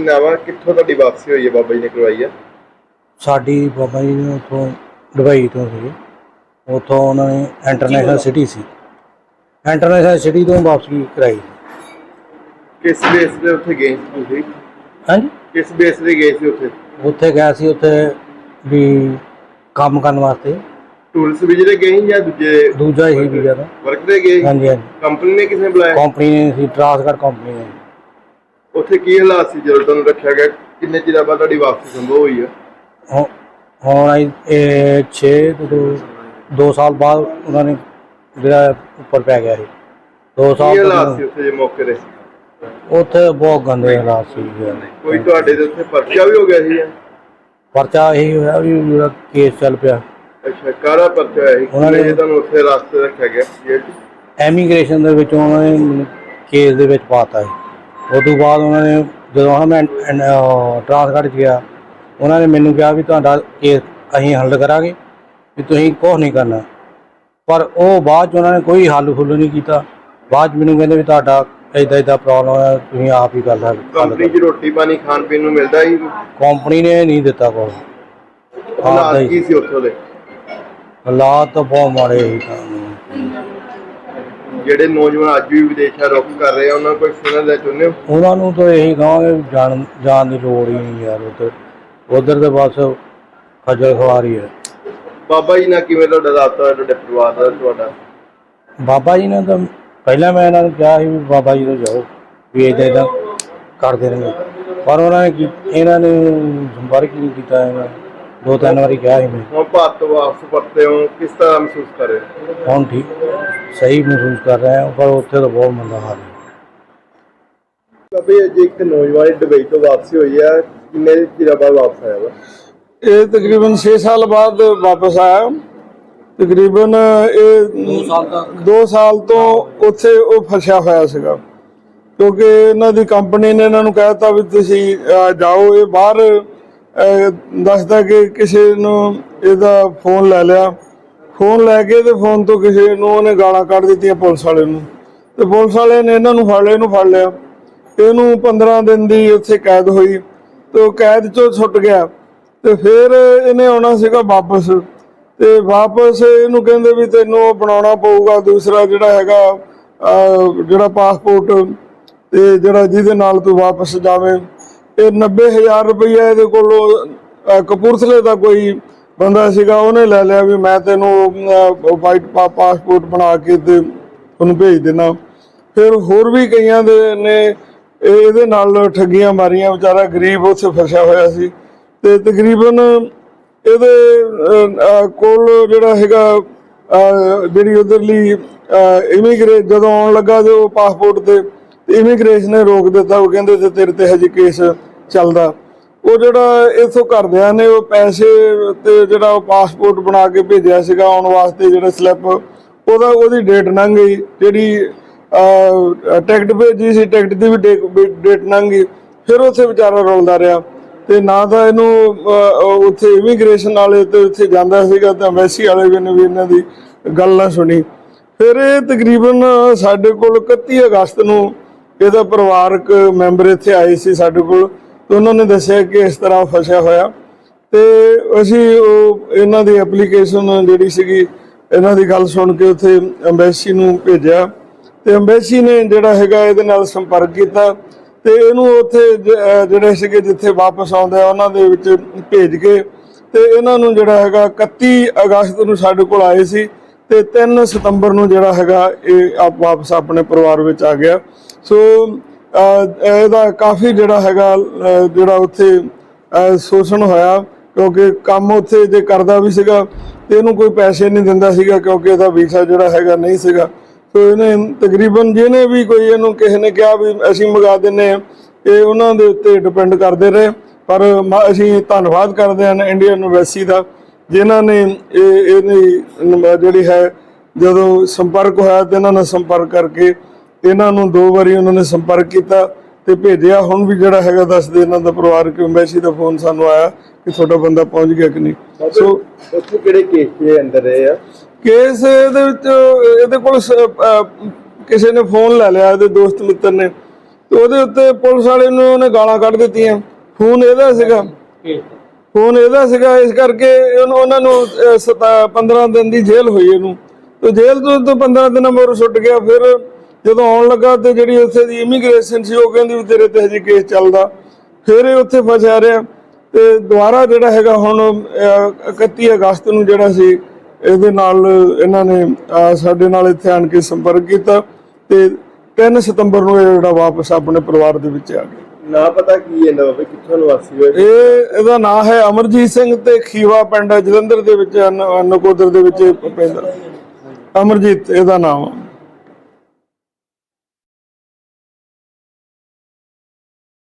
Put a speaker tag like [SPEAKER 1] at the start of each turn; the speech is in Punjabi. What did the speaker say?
[SPEAKER 1] ਨਾਂ ਵਾ, ਕਿੱਥੋਂ ਤੁਹਾਡੀ ਵਾਪਸੀ ਹੋਈ ਹੈ ਬਾਬਾ ਜੀ ਨੇ ਕਰਵਾਈ ਹੈ?
[SPEAKER 2] ਸਾਡੀ ਬਾਬਾ ਜੀ ਨੇ ਉੱਥੋਂ ਦੁਬਈ ਤੋਂ ਸੀ, ਉੱਥੋਂ ਉਹਨਾਂ ਨੇ ਇੰਟਰਨੈਸ਼ਨਲ ਸਿਟੀ ਸੀ, ਇੰਟਰਨੈਸ਼ਨਲ ਸਿਟੀ ਤੋਂ ਵਾਪਸੀ ਕਰਾਈ।
[SPEAKER 1] ਕਿਸ ਬੇਸ ਤੇ ਉੱਥੇ ਗਏ ਸੀ ਤੁਸੀਂ?
[SPEAKER 2] ਹਾਂਜੀ,
[SPEAKER 1] ਕਿਸ ਬੇਸ ਤੇ ਗਏ ਸੀ ਉੱਥੇ?
[SPEAKER 2] ਉੱਥੇ ਗਿਆ ਸੀ, ਉੱਥੇ ਵੀ ਕੰਮ ਕਰਨ ਵਾਸਤੇ।
[SPEAKER 1] ਟੂਰਿਸਟ ਵੀਜ਼ੇ ਤੇ ਗਏ ਜਾਂ
[SPEAKER 2] ਦੂਜਾ ਹੀ ਵੀਜ਼ਾ ਦਾ
[SPEAKER 1] ਵਰਕ ਤੇ ਗਏ?
[SPEAKER 2] ਹਾਂਜੀ ਹਾਂਜੀ।
[SPEAKER 1] ਕੰਪਨੀ ਨੇ ਕਿਸੇ ਨੇ ਬੁਲਾਇਆ?
[SPEAKER 2] ਕੰਪਨੀ ਨੇ ਸੀ, ਟਰਾਂਸਗਾਰਡ ਕੰਪਨੀ ਨੇ।
[SPEAKER 1] ਉੱਥੇ ਕੀ ਹਾਲਾਤ ਸੀ ਜਦੋਂ ਤੁਹਾਨੂੰ ਰੱਖਿਆ ਗਿਆ? ਕਿੰਨੇ ਚਿਰ ਬਾਅਦ ਤੁਹਾਡੀ ਵਾਪਸੀ ਸੰਭਵ ਹੋਈ ਹੈ?
[SPEAKER 2] ਹੁਣ ਇਹ 2 ਸਾਲ ਬਾਅਦ ਉਹਨਾਂ ਨੇ ਜਿਹੜਾ ਉੱਪਰ ਪੈ ਗਿਆ ਸੀ। 2 ਸਾਲ
[SPEAKER 1] ਕੀ ਹਾਲਾਤ ਸੀ ਉੱਥੇ ਜੇ ਮੌਕੇ ਤੇ?
[SPEAKER 2] ਉੱਥੇ ਬਹੁਤ ਗੰਦੇ ਹਾਲਾਤ ਸੀ।
[SPEAKER 1] ਕੋਈ ਤੁਹਾਡੇ ਦੇ ਉੱਥੇ ਪਰਚਾ ਵੀ ਹੋ ਗਿਆ ਸੀ?
[SPEAKER 2] ਪਰਚਾ ਇਹੀ ਹੋਇਆ ਵੀ ਮੇਰਾ ਕੇਸ ਚੱਲ ਪਿਆ।
[SPEAKER 1] ਅੱਛਾ, ਕਾਹਦਾ ਪਰਚਾ ਹੋਇਆ ਸੀ?
[SPEAKER 2] ਉਹਨਾਂ ਨੇ
[SPEAKER 1] ਤੁਹਾਨੂੰ ਉੱਥੇ ਰਾਸਤੇ ਰੱਖਿਆ ਗਿਆ ਜੇਲ੍ਹ 'ਚ?
[SPEAKER 2] ਐਮੀਗ੍ਰੇਸ਼ਨ ਦੇ ਵਿੱਚ ਉਹਨਾਂ ਨੇ ਮੈਨੂੰ ਕੇਸ ਦੇ ਵਿੱਚ ਪਾਤਾ ਸੀ। ਉਸ ਤੋਂ ਬਾਅਦ ਉਹਨਾਂ ਨੇ ਜਦੋਂ ਮੈਂ ਟਰਾਂਸਗਾਰਡ 'ਚ ਗਿਆ, ਉਹਨਾਂ ਨੇ ਮੈਨੂੰ ਕਿਹਾ ਵੀ ਤੁਹਾਡਾ ਕੇਸ ਅਸੀਂ ਹੱਲ ਕਰਾਂਗੇ, ਵੀ ਤੁਸੀਂ ਕੁਛ ਨਹੀਂ ਕਰਨਾ। ਪਰ ਉਹ ਬਾਅਦ 'ਚ ਉਹਨਾਂ ਨੇ ਕੋਈ ਹੱਲ ਫੁੱਲ ਨਹੀਂ ਕੀਤਾ। ਬਾਅਦ 'ਚ ਮੈਨੂੰ ਕਹਿੰਦੇ ਵੀ ਤੁਹਾਡਾ ਇੱਦਾਂ ਪ੍ਰੋਬਲਮ ਹੈ, ਤੁਸੀਂ ਆਪ ਹੀ ਕਰ ਸਕਦੇ।
[SPEAKER 1] ਕੰਪਨੀ 'ਚ ਰੋਟੀ ਪਾਣੀ ਖਾਣ ਪੀਣ ਨੂੰ ਮਿਲਦਾ ਸੀ?
[SPEAKER 2] ਕੰਪਨੀ ਨੇ ਨਹੀਂ ਦਿੱਤਾ ਕੁਛ।
[SPEAKER 1] ਹਾਲਾਤ ਕੀ ਸੀ ਉੱਥੋਂ ਦੇ?
[SPEAKER 2] ਹਾਲਾਤ ਤਾਂ ਬਹੁਤ ਮਾੜੇ ਸੀ।
[SPEAKER 1] ਜਿਹੜੇ ਨੌਜਵਾਨ ਅੱਜ ਵੀ ਵਿਦੇਸ਼ਾਂ ਰੁੱਖ ਕਰ ਰਹੇ ਆ, ਉਹਨਾਂ ਨੂੰ ਕੋਈ ਸੁਣਨ ਦਾ ਚਾਹੁੰਦੇ ਹੋ? ਉਹਨਾਂ
[SPEAKER 2] ਨੂੰ ਤਾਂ ਇਹੀ ਕਹਾਂਗੇ ਜਾਣ ਦੀ ਲੋੜ ਹੀ ਨਹੀਂ ਯਾਰ। ਉਧਰ ਤੇ ਬਸ ਖੱਜਲ ਖਵਾਰੀ ਹੈ।
[SPEAKER 1] ਬਾਬਾ ਜੀ ਨਾਲ ਕਿਵੇਂ ਤੁਹਾਡਾ ਰਾਬਤਾ, ਤੁਹਾਡੇ ਪਰਿਵਾਰ ਦਾ? ਤੁਹਾਡਾ
[SPEAKER 2] ਬਾਬਾ ਜੀ ਨੇ ਤਾਂ ਪਹਿਲਾਂ ਮੈਂ ਇਹਨਾਂ ਨੂੰ ਕਿਹਾ ਸੀ ਵੀ ਬਾਬਾ ਜੀ ਤੋਂ ਜਾਓ, ਵੀ ਇੱਦਾਂ ਕਰਦੇ ਨੇ, ਪਰ ਇਹਨਾਂ ਨੇ ਸੰਪਰਕ ਨਹੀਂ ਕੀਤਾ। ਇਹਨਾਂ 2-3 ਵਾਰੀ ਕਿਹਾ ਸੀ ਮੈਂ। ਹੁਣ
[SPEAKER 1] ਭਾਰਤ ਵਾਪਸ ਪਰਤੇ ਹੋ, ਕਿਸ ਤਰ੍ਹਾਂ ਮਹਿਸੂਸ ਕਰ ਰਹੇ ਹੋ?
[SPEAKER 2] ਹੁਣ ਠੀਕ, ਸਹੀ ਮਹਿਸੂਸ ਕਰ ਰਹੇ ਹਾਂ, ਪਰ ਉੱਥੇ ਤਾਂ ਬਹੁਤ ਮੰਦਾ ਹਾਲ ਹੈ।
[SPEAKER 1] ਬਾਬਾ ਜੀ, ਇੱਕ ਨੌਜਵਾਨ ਦੁਬਈ ਤੋਂ ਵਾਪਸੀ ਹੋਈ ਹੈ, ਕਿੰਨੇ ਚਿਰ ਬਾਅਦ ਵਾਪਸ ਆਇਆ ਵਾ?
[SPEAKER 3] ਇਹ ਤਕਰੀਬਨ 6 ਸਾਲ ਬਾਅਦ ਵਾਪਸ ਆਇਆ। ਤਕਰੀਬਨ ਇਹ 2 ਸਾਲ ਤੋਂ ਉੱਥੇ ਉਹ ਫਸਿਆ ਹੋਇਆ ਸੀਗਾ, ਕਿਉਂਕਿ ਇਹਨਾਂ ਦੀ ਕੰਪਨੀ ਨੇ ਇਹਨਾਂ ਨੂੰ ਕਹਿ ਦਿੱਤਾ ਵੀ ਤੁਸੀਂ ਜਾਓ। ਇਹ ਬਾਹਰ ਦੱਸਦਾ ਕਿ ਕਿਸੇ ਨੂੰ ਇਹਦਾ ਫੋਨ ਲੈ ਲਿਆ, ਫੋਨ ਲੈ ਕੇ ਤੇ ਫੋਨ ਤੋਂ ਕਿਸੇ ਨੂੰ ਉਹਨੇ ਗਾਲਾਂ ਕੱਢ ਦਿੱਤੀਆਂ ਪੁਲਿਸ ਵਾਲੇ ਨੂੰ, ਤੇ ਪੁਲਿਸ ਵਾਲੇ ਨੇ ਇਹਨਾਂ ਨੂੰ ਫੜ ਲਿਆ। ਇਹਨੂੰ 15 ਦਿਨ ਦੀ ਉੱਥੇ ਕੈਦ ਹੋਈ, ਤੇ ਉਹ ਕੈਦ 'ਚੋਂ ਛੁੱਟ ਗਿਆ। ਤੇ ਫਿਰ ਇਹਨੇ ਆਉਣਾ ਸੀਗਾ ਵਾਪਸ, ਤੇ ਵਾਪਸ ਇਹਨੂੰ ਕਹਿੰਦੇ ਵੀ ਤੈਨੂੰ ਬਣਾਉਣਾ ਪਊਗਾ ਦੂਸਰਾ ਜਿਹੜਾ ਹੈਗਾ ਜਿਹੜਾ ਪਾਸਪੋਰਟ, ਤੇ ਜਿਹੜਾ ਜਿਹਦੇ ਨਾਲ ਤੂੰ ਵਾਪਸ ਜਾਵੇਂ। ਇਹ 90,000 ਰੁਪਈਆ ਇਹਦੇ ਕੋਲੋਂ ਕਪੂਰਥਲੇ ਦਾ ਕੋਈ ਬੰਦਾ ਸੀਗਾ, ਉਹਨੇ ਲੈ ਲਿਆ ਵੀ ਮੈਂ ਤੈਨੂੰ ਵਾਈਟ ਪਾਸਪੋਰਟ ਬਣਾ ਕੇ ਤੇ ਉਹਨੂੰ ਭੇਜ ਦੇਣਾ। ਫਿਰ ਹੋਰ ਵੀ ਕਈਆਂ ਦੇ ਨੇ ਇਹਦੇ ਨਾਲ ਠੱਗੀਆਂ ਮਾਰੀਆਂ। ਵਿਚਾਰਾ ਗਰੀਬ ਉੱਥੇ ਫਸਿਆ ਹੋਇਆ ਸੀ, ਤੇ ਤਕਰੀਬਨ ਇਹਦੇ ਕੋਲ ਜਿਹੜਾ ਹੈਗਾ ਜਿਹੜੀ ਉਧਰਲੀ ਜਦੋਂ ਆਉਣ ਲੱਗਾ ਜੋ ਪਾਸਪੋਰਟ ਤੇ ਇਮੀਗ੍ਰੇਸ਼ਨ ਨੇ ਰੋਕ ਦਿੱਤਾ। ਉਹ ਕਹਿੰਦੇ ਤੇ ਤੇਰੇ ਤੇ ਹਜੇ ਕੇਸ ਚੱਲਦਾ। ਉਹ ਜਿਹੜਾ ਇੱਥੋਂ ਘਰਦਿਆਂ ਨੇ ਉਹ ਪੈਸੇ ਤੇ ਜਿਹੜਾ ਉਹ ਪਾਸਪੋਰਟ ਬਣਾ ਕੇ ਭੇਜਿਆ ਸੀਗਾ ਆਉਣ ਵਾਸਤੇ, ਜਿਹੜਾ ਸਲਿੱਪ, ਉਹਦੀ ਡੇਟ ਲੰਘ ਗਈ। ਜਿਹੜੀ ਟਿਕਟ ਭੇਜੀ ਸੀ, ਟਿਕਟ ਦੀ ਵੀ ਡੇਟ ਲੰਘ ਗਈ। ਫਿਰ ਉੱਥੇ ਵਿਚਾਰਾ ਰੁਲਦਾ ਰਿਹਾ, ਤੇ ਨਾ ਤਾਂ ਇਹਨੂੰ ਉੱਥੇ ਇਮੀਗ੍ਰੇਸ਼ਨ ਵਾਲੇ ਤੇ ਉੱਥੇ ਜਾਂਦਾ ਸੀਗਾ, ਤਾਂ ਐਮਬੈਸੀ ਵਾਲੇ ਨੇ ਵੀ ਇਹਨਾਂ ਦੀ ਗੱਲ ਨਾ ਸੁਣੀ। ਫਿਰ ਇਹ ਤਕਰੀਬਨ ਸਾਡੇ ਕੋਲ 31 ਅਗਸਤ ਨੂੰ ਇਹਦਾ ਪਰਿਵਾਰਕ ਮੈਂਬਰ ਇੱਥੇ ਆਏ ਸੀ ਸਾਡੇ ਕੋਲ, ਤੇ ਉਹਨਾਂ ਨੇ ਦੱਸਿਆ ਕਿ ਇਸ ਤਰ੍ਹਾਂ ਫਸਿਆ ਹੋਇਆ। ਤੇ ਅਸੀਂ ਉਹ ਇਹਨਾਂ ਦੀ ਐਪਲੀਕੇਸ਼ਨ ਜਿਹੜੀ ਸੀਗੀ, ਇਹਨਾਂ ਦੀ ਗੱਲ ਸੁਣ ਕੇ ਉੱਥੇ ਐਮਬੈਸੀ ਨੂੰ ਭੇਜਿਆ, ਤੇ ਐਮਬੈਸੀ ਨੇ ਜਿਹੜਾ ਹੈਗਾ ਇਹਦੇ ਨਾਲ ਸੰਪਰਕ ਕੀਤਾ, ਤੇ ਇਹਨੂੰ ਉੱਥੇ ਜਿਹੜੇ ਸੀਗੇ ਜਿੱਥੇ ਵਾਪਸ ਆਉਂਦੇ ਆ ਉਹਨਾਂ ਦੇ ਵਿੱਚ ਭੇਜ ਕੇ, ਤੇ ਇਹਨਾਂ ਨੂੰ ਜਿਹੜਾ ਹੈਗਾ 31 ਅਗਸਤ ਨੂੰ ਸਾਡੇ ਕੋਲ ਆਏ ਸੀ, ਤੇ 3 ਸਤੰਬਰ ਨੂੰ ਜਿਹੜਾ ਹੈਗਾ ਇਹ ਵਾਪਸ ਆਪਣੇ ਪਰਿਵਾਰ ਵਿੱਚ ਆ ਗਿਆ। ਸੋ ਇਹਦਾ ਕਾਫੀ ਜਿਹੜਾ ਹੈਗਾ ਜਿਹੜਾ ਉੱਥੇ ਸ਼ੋਸ਼ਣ ਹੋਇਆ, ਕਿਉਂਕਿ ਕੰਮ ਉੱਥੇ ਜੇ ਕਰਦਾ ਵੀ ਸੀਗਾ ਤੇ ਇਹਨੂੰ ਕੋਈ ਪੈਸੇ ਨਹੀਂ ਦਿੰਦਾ ਸੀਗਾ, ਕਿਉਂਕਿ ਇਹਦਾ ਵੀਜ਼ਾ ਜਿਹੜਾ ਹੈਗਾ ਨਹੀਂ ਸੀਗਾ। ਸੋ ਇਹਨੇ ਤਕਰੀਬਨ ਜਿਹਨੇ ਵੀ ਕੋਈ ਇਹਨੂੰ ਕਿਸੇ ਨੇ ਕਿਹਾ ਵੀ ਅਸੀਂ ਮੰਗਾ ਦਿੰਦੇ ਹਾਂ, ਇਹ ਉਹਨਾਂ ਦੇ ਉੱਤੇ ਡਿਪੈਂਡ ਕਰਦੇ ਰਹੇ। ਪਰ ਅਸੀਂ ਧੰਨਵਾਦ ਕਰਦੇ ਹਾਂ ਇੰਡੀਅਨ ਐਮਬੈਸੀ ਦਾ, ਜਿਨ੍ਹਾਂ ਨੇ ਇਹਦੀ ਜਿਹੜੀ ਹੈ ਜਦੋਂ ਸੰਪਰਕ ਹੋਇਆ ਤੇ ਇਹਨਾਂ ਨਾਲ ਸੰਪਰਕ ਕਰਕੇ ਇਹਨਾਂ ਨੂੰ 2 ਵਾਰੀ ਉਹਨਾਂ ਨੇ ਸੰਪਰਕ ਕੀਤਾ ਤੇ ਭੇਜਿਆ। ਹੁਣ ਵੀ ਜਿਹੜਾ ਹੈਗਾ ਦੱਸਦੇ ਇਹਨਾਂ ਦਾ ਪਰਿਵਾਰਕ ਐਮਬੈਸੀ ਦਾ ਫੋਨ ਸਾਨੂੰ ਆਇਆ ਕਿ ਤੁਹਾਡਾ ਬੰਦਾ ਪਹੁੰਚ ਗਿਆ ਕਿ ਨਹੀਂ। ਸੋ
[SPEAKER 1] ਉੱਥੇ ਕਿਹੜੇ ਕੇਸ ਦੇ ਅੰਦਰ ਰਹੇ ਆ?
[SPEAKER 3] ਕੇਸ ਇਹਦੇ ਵਿੱਚ ਇਹਦੇ ਕੋਲ ਕਿਸੇ ਨੇ ਫੋਨ ਲੈ ਲਿਆ, ਇਹਦੇ ਦੋਸਤ ਮਿੱਤਰ ਨੇ, ਤੇ ਉਹਦੇ ਉੱਤੇ ਪੁਲਿਸ ਵਾਲੇ ਨੂੰ ਉਹਨੇ ਗਾਲਾਂ ਕੱਢ ਦਿੱਤੀਆਂ। ਫੋਨ ਇਹਦਾ ਸੀਗਾ ਇਸ ਕਰਕੇ ਉਹਨਾਂ ਨੂੰ 15 ਦਿਨ ਦੀ ਜੇਲ੍ਹ ਹੋਈ ਇਹਨੂੰ। ਤੇ ਜੇਲ੍ਹ ਤੋਂ 15 ਦਿਨਾਂ ਮਗਰੋਂ ਛੁੱਟ ਗਿਆ। ਫਿਰ ਜਦੋਂ ਆਉਣ ਲੱਗਾ ਤੇ ਜਿਹੜੀ ਉੱਥੇ ਦੀ ਇਮੀਗ੍ਰੇਸ਼ਨ ਸੀ ਉਹ ਕਹਿੰਦੀ ਵੀ ਤੇਰੇ ਤੇ ਹਜੇ ਕੇਸ ਚੱਲਦਾ। ਫਿਰ ਇਹ ਉੱਥੇ ਫਸਿਆ ਰਿਹਾ ਤੇ ਦੁਬਾਰਾ ਜਿਹੜਾ ਹੈਗਾ ਹੁਣ 31 ਅਗਸਤ ਨੂੰ ਜਿਹੜਾ ਸੀ ਇਹਦੇ ਨਾਲ ਇਹਨਾਂ ਨੇ ਸਾਡੇ ਨਾਲ ਇੱਥੇ ਆਣ ਕੇ ਸੰਪਰਕ ਕੀਤਾ ਤੇ 3 ਸਤੰਬਰ ਨੂੰ ਇਹ ਜਿਹੜਾ ਵਾਪਸ ਆਪਣੇ ਪਰਿਵਾਰ ਦੇ ਵਿੱਚ ਆ ਗਿਆ।
[SPEAKER 1] ਨਾ ਪਤਾ ਕੀ ਇਹਦਾ ਬਾਬੇ, ਕਿੱਥੋਂ ਨਿਵਾਸੀ ਹੋਏ?
[SPEAKER 3] ਇਹਦਾ ਨਾਮ ਹੈ ਅਮਰਜੀਤ ਸਿੰਘ ਤੇ ਖੀਵਾ ਪਿੰਡ ਜਲੰਧਰ ਦੇ ਵਿੱਚ ਨਕੋਦਰ ਦੇ ਵਿੱਚ ਪੈਂਦਾ। ਅਮਰਜੀਤ ਇਹਦਾ ਨਾਮ ਆ।